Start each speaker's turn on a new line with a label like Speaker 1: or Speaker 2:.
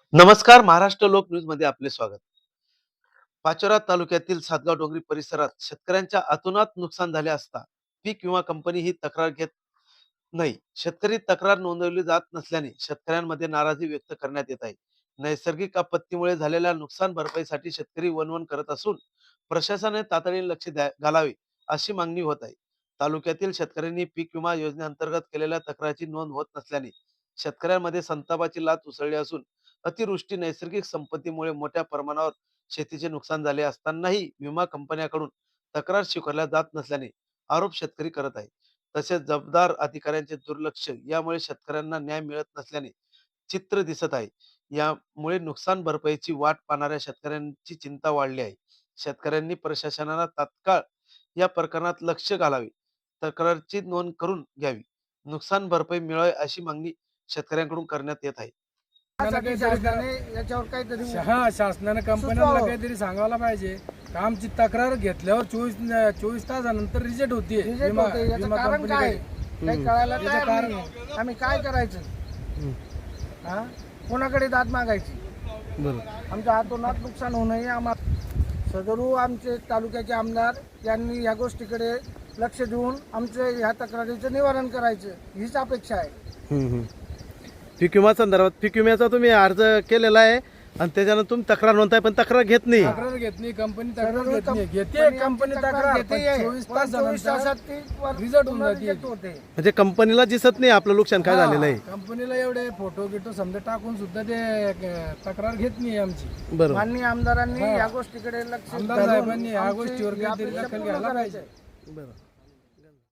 Speaker 1: नमस्कार. महाराष्ट्र लोक न्यूज मध्ये आपले स्वागत. पाचोरा तालुक्यातील सातगाव डोंगरी परिसरात शेतकऱ्यांच्या अतोनात नुकसान झाले असता पीक विमा कंपनी ही तक्रार घेत नाही. शेतकरी तक्रार नोंदवली जात नसल्याने शेतकऱ्यांमध्ये नाराजी व्यक्त करण्यात येत आहे. नैसर्गिक आपत्तीमुळे झालेल्या नुकसान भरपाईसाठी शेतकरी वणवण करत असून प्रशासनाने तातडीने लक्ष घालावे अशी मागणी होत आहे. तालुक्यातील शेतकऱ्यांनी पीक विमा योजनेअंतर्गत केलेल्या तक्रारीची नोंद होत नसल्याने शेतकऱ्यांमध्ये संतापाची लाट उसळली असून अतिवृष्टी नैसर्गिक संपत्तीमुळे मोठ्या प्रमाणावर शेतीचे नुकसान झाले असतानाही विमा कंपन्यांकडून तक्रार स्वीकारल्या जात नसल्याने आरोप शेतकरी करत आहे. तसेच जबाबदार अधिकाऱ्यांचे दुर्लक्ष यामुळे शेतकऱ्यांना न्याय मिळत नसल्याने चित्र दिसत आहे. यामुळे नुकसान भरपाईची वाट पाहणाऱ्या शेतकऱ्यांची चिंता वाढली आहे. शेतकऱ्यांनी प्रशासनाला तात्काळ या प्रकरणात लक्ष घालावे, तक्रारची नोंद करून घ्यावी, नुकसान भरपाई मिळावी अशी मागणी शेतकऱ्यांकडून करण्यात येत आहे.
Speaker 2: शासनाने कंपन्यांना काहीतरी सांगायला पाहिजे. आमची तक्रार घेतल्यावर 24 तासानंतर रिजेक्ट होती.
Speaker 3: आम्ही काय करायचं? कोणाकडे दाद मागायची? आमच्या हातोनात नुकसान होऊ नये. आम्हाला सदरू आमचे तालुक्याचे आमदार यांनी या गोष्टीकडे लक्ष देऊन आमच्या ह्या तक्रारीचं निवारण करायचं हीच अपेक्षा आहे.
Speaker 1: पीक विमा संदर्भात पीक विम्याचा तुम्ही अर्ज केलेला आहे आणि त्याच्यानं तुम्ही तक्रार नोंदताय पण तक्रार घेत नाही.
Speaker 2: कंपनी तक्रार घेते. कंपनी तक्रार 24 तासात रिझल्ट होऊन जाते.
Speaker 1: म्हणजे कंपनीला दिसत नाही आपलं नुकसान काय झालेलं आहे.
Speaker 2: कंपनीला एवढे फोटो गिटो समजा टाकून सुद्धा ते तक्रार घेत नाही आमची.
Speaker 1: बरोबर.
Speaker 3: माननीय आमदारांनी या गोष्टीकडे लक्ष
Speaker 2: आमदार साहेबांनी या गोष्टीवर काहीतरी दखल घ्यायला पाहिजे.
Speaker 1: बरोबर.